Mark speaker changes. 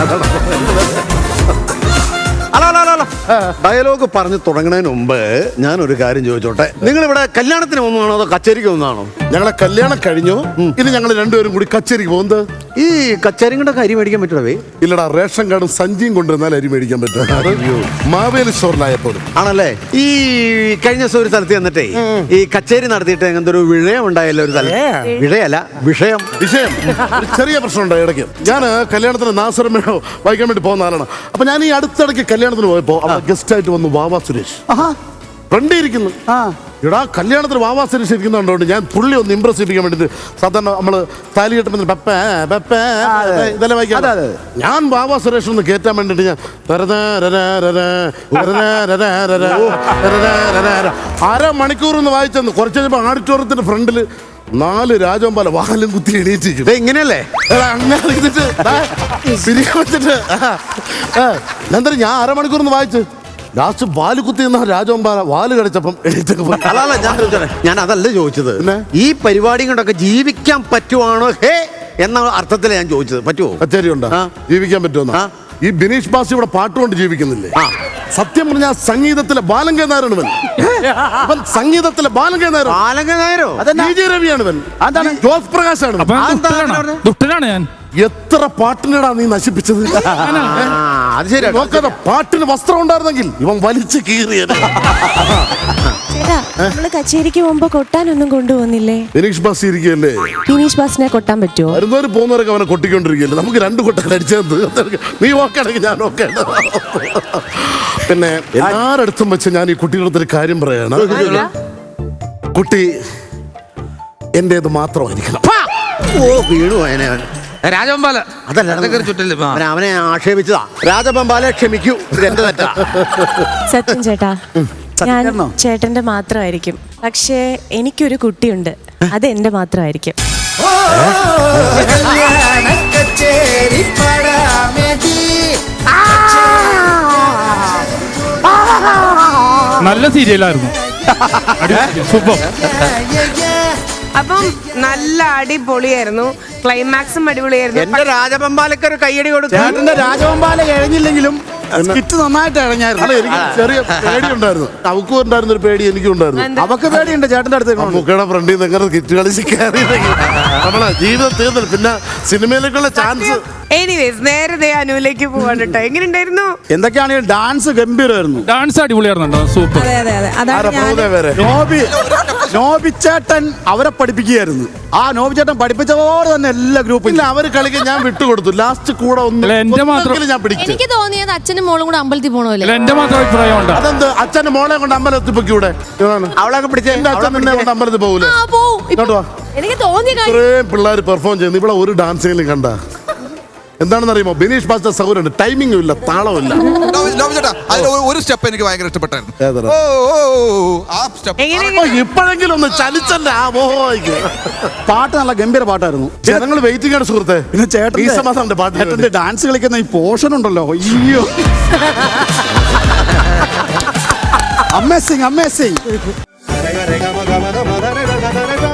Speaker 1: Dialogue പറഞ്ഞ് തുടങ്ങുന്നതിന് മുമ്പ് ഞാനൊരു കാര്യം ചോദിച്ചോട്ടെ, നിങ്ങൾ ഇവിടെ കല്യാണത്തിന് ഒന്നാണോ അതോ കച്ചേരിക്ക് ഒന്നാണോ?
Speaker 2: ഞങ്ങളെ കല്യാണം കഴിഞ്ഞു, ഇനി ഞങ്ങൾ രണ്ടുപേരും കൂടി കച്ചേരിക്ക് പോകുന്നത്.
Speaker 1: ഈ കച്ചേരിയുടെ അരി മേടിക്കാൻ പറ്റുമേ?
Speaker 2: ഇല്ലടാ, റേഷൻ കാർഡും സഞ്ചിയും കൊണ്ടുവന്നാൽ അരി മേടിക്കാൻ പറ്റും. മാവേലി സ്റ്റോറിലായപ്പോഴും
Speaker 1: ആണല്ലേ. ഈ കഴിഞ്ഞ ദിവസം ഒരു സ്ഥലത്ത് ചെന്നിട്ടേ ഈ കച്ചേരി നടത്തിയിട്ട് അങ്ങനത്തെ ഒരു വിഷയം ഉണ്ടായല്ലോ ഒരു സ്ഥലം. വിഷയല്ല, വിഷയം
Speaker 2: ഒരു ചെറിയ പ്രശ്നം ഉണ്ടായി ഇടയ്ക്ക്. ഞാൻ കല്യാണത്തിന് നാസറമ്മയോ വായിക്കാൻ വേണ്ടി പോകുന്ന ആളാണ്. അപ്പൊ ഞാൻ ഈ അടുത്തിടയ്ക്ക് കല്യാണത്തിന് പോയപ്പോ അവിടെ ഗസ്റ്റ് ആയിട്ട് വന്നു വാവാ സുരേഷ്. ഫ്രണ്ട് ഇരിക്കുന്നു. എടാ, കല്യാണത്തിന് വാവാ സുരേഷ് ഇരിക്കുന്നുണ്ടോണ്ട് ഞാൻ പുള്ളി ഒന്ന് ഇംപ്രസ് ചെയ്യിപ്പിക്കാൻ വേണ്ടിട്ട് സാധാരണ നമ്മള് താലി കെട്ടുമ്പോൾ ഇതെല്ലാം വായിക്കാം. ഞാൻ വാവാ സുരേഷ് ഒന്ന് കയറ്റാൻ വേണ്ടിട്ട് ഞാൻ അരമണിക്കൂർ ഒന്ന് വായിച്ചെന്ന്. കുറച്ച് കഴിഞ്ഞപ്പോ ഓഡിറ്റോറിയത്തിന്റെ ഫ്രണ്ടില് 4 രാജവമ്പാല വാലും കുത്തി എണീറ്റിരിക്കും.
Speaker 1: ഇങ്ങനെയല്ലേ
Speaker 2: അങ്ങനെ എന്തായാലും ഞാൻ അരമണിക്കൂർ ഒന്ന് വായിച്ചു. ലാസ്റ്റ് വാല് കുത്തി നിന്ന രാജവമ്പാല വാല് കടിച്ചപ്പം എണീറ്റൊക്കെ പോയി.
Speaker 1: ഞാൻ അതല്ല ചോദിച്ചത്, ഈ പരിപാടി കൊണ്ടൊക്കെ ജീവിക്കാൻ പറ്റുവാണോ ഹേ എന്ന അർത്ഥത്തിലാണ് ഞാൻ ചോദിച്ചത്. പറ്റുമോ?
Speaker 2: കച്ചേരി ഉണ്ടോ ജീവിക്കാൻ പറ്റുമോ? ഈ ബിനീഷ് ബാസി ഇവിടെ പാട്ടുകൊണ്ട് ജീവിക്കുന്നില്ലേ? സത്യം പറഞ്ഞാൽ സംഗീതത്തിലെ ബാലങ്കേ നായരാണ് ഇവൻ. സംഗീതത്തിലെ ബാലങ്കേ നായരോ രവിയാണ് ഇവൻ. ജോസ് പ്രകാശാണ്.
Speaker 3: ദുഷ്ടനാണ് ഞാൻ.
Speaker 2: എത്ര പാട്ടിനടാ നീ നശിപ്പിച്ചത്?
Speaker 1: അത് ശരി.
Speaker 2: നോക്കാതെ പാട്ടിന് വസ്ത്രം ഉണ്ടായിരുന്നെങ്കിൽ ഇവൻ വലിച്ചു കീറിയത്.
Speaker 4: ചേട്ടാ, നമ്മള് കച്ചേരിക്ക് പോകുമ്പോ കൊട്ടാനൊന്നും കൊണ്ടുപോകുന്നില്ലേ?
Speaker 2: ബിനീഷ് ബാസി ഇരിക്കുകയല്ലേ?
Speaker 4: ബിനീഷ് ബാസിനെ കൊട്ടാൻ പറ്റുമോ?
Speaker 2: വരുന്നവര് പോകുന്നവരൊക്കെ അവനെ കൊട്ടിക്കൊണ്ടിരിക്കുകയല്ലേ. നമുക്ക് 2 കൊട്ടം അടിച്ചത്. നീ ഓക്കെയാണെങ്കിൽ ഞാൻ ഓക്കെ. പിന്നെ എല്ലാരടുത്തും വെച്ച് ഞാൻ ഈ കുട്ടികളുടെ കാര്യം പറയാണ്. കുട്ടി എന്റേത് മാത്രമായിരിക്കണം.
Speaker 1: വീണു അവനെ.
Speaker 3: രാജവമ്പാല
Speaker 1: അതല്ല, അവനെ ആക്ഷേപിച്ചതാ. രാജവമ്പാല ക്ഷമിക്കൂ, എന്റെ തെറ്റാ.
Speaker 4: സത്യം ചേട്ടാ, ഞാൻ ചേട്ടന്റെ മാത്രമായിരിക്കും. പക്ഷേ എനിക്കൊരു കുട്ടിയുണ്ട്, അത് എന്റെ മാത്രമായിരിക്കും.
Speaker 3: നല്ല സീരിയലായിരുന്നു. സൂപ്പർ.
Speaker 5: അപ്പം നല്ല അടിപൊളിയായിരുന്നു. ക്ലൈമാക്സും അടിപൊളിയായിരുന്നു.
Speaker 1: എന്റെ രാജവമ്പാലക്കൊരു കയ്യടി കൊടുത്തു.
Speaker 6: ചേട്ടന്റെ രാജവമ്പാല കഴിഞ്ഞില്ലെങ്കിലും സ്കിറ്റ് നന്നായിട്ട് ഇഴഞ്ഞായിരുന്നു.
Speaker 2: എനിക്ക് ചെറിയ പേടി ഉണ്ടായിരുന്നു. അവക്കും ഉണ്ടായിരുന്ന ഒരു പേടി എനിക്കും ഉണ്ടായിരുന്നു.
Speaker 6: അവക്ക് പേടിയുണ്ട് ചേട്ടന്റെ അടുത്ത്.
Speaker 2: മുക്കയുടെ ഫ്രണ്ടിൽ നിന്ന് എങ്ങനെ കിറ്റ് കളിച്ച് കയറിയില്ലെങ്കിൽ നമ്മളെ ജീവിതം തീർന്നില്ല. പിന്നെ സിനിമയിലേക്കുള്ള ചാൻസ്.
Speaker 5: എനിവേസ്, നേരെ അനുവിലേക്ക് പോവാണ് കേട്ടോ. എങ്ങനെയുണ്ടായിരുന്നു?
Speaker 6: എന്തൊക്കെയാണെങ്കിലും ഡാൻസ് ഗംഭീരമായിരുന്നു.
Speaker 3: ഡാൻസ് അടിപൊളിയായിരുന്നു. സൂപ്പർ.
Speaker 6: നോബി ചേട്ടൻ അവരെ പഠിപ്പിക്കുകയായിരുന്നു. ആ നോബി ചേട്ടൻ പഠിപ്പിച്ചതോടെ തന്നെ എല്ലാ ഗ്രൂപ്പും
Speaker 2: ഇല്ല, അവര് കളിക്കാൻ ഞാൻ വിട്ടുകൊടുത്തു. ലാസ്റ്റ് കൂടെ ഒന്ന് ഞാൻ പിടിച്ചു.
Speaker 7: എനിക്ക് തോന്നിയത് അച്ഛനും മോളും കൂടെ അമ്പലത്തിൽ പോകണമല്ലോ.
Speaker 3: എന്റെ മാത്രം അഭിപ്രായം ഉണ്ട്.
Speaker 2: അതെന്ത് അച്ഛന്റെ മോളെ കൊണ്ട് അമ്പലത്തിൽ പൊക്കിയൂടെ?
Speaker 1: അവളൊക്കെ പിടിച്ചേ.
Speaker 2: എന്റെ അച്ഛൻ നിന്നെ കൊണ്ട് അമ്പലത്തിൽ പോകൂലേ?
Speaker 7: എനിക്ക് തോന്നിയ
Speaker 2: ഇത്രയും പിള്ളേർ പെർഫോം ചെയ്യുന്നു. ഇവിടെ ഒരു ഡാൻസിലും കണ്ട എന്താണെന്ന് അറിയുമോ? ബിനീഷ് ബാസിന്റെ സൗകര്യമുണ്ട്, ടൈമിംഗും ഇല്ല, താളവും
Speaker 8: ഒരു സ്റ്റെപ്പ് എനിക്ക് ഭയങ്കര ഇഷ്ടപ്പെട്ടായിരുന്നു.
Speaker 2: ഇപ്പോഴെങ്കിലും ഒന്ന് ചലിച്ചല്ലേ.
Speaker 6: പാട്ട് നല്ല ഗംഭീര പാട്ടായിരുന്നു.
Speaker 2: ജനങ്ങൾ വെയിറ്റിംഗ് ആണ് സുഹൃത്തെ.
Speaker 6: പിന്നെ ചേട്ടന്റെ പാട്ട് ഡാൻസ് കളിക്കുന്ന ഈ പോർഷൻ ഉണ്ടല്ലോ, അയ്യോ അമേസിങ്.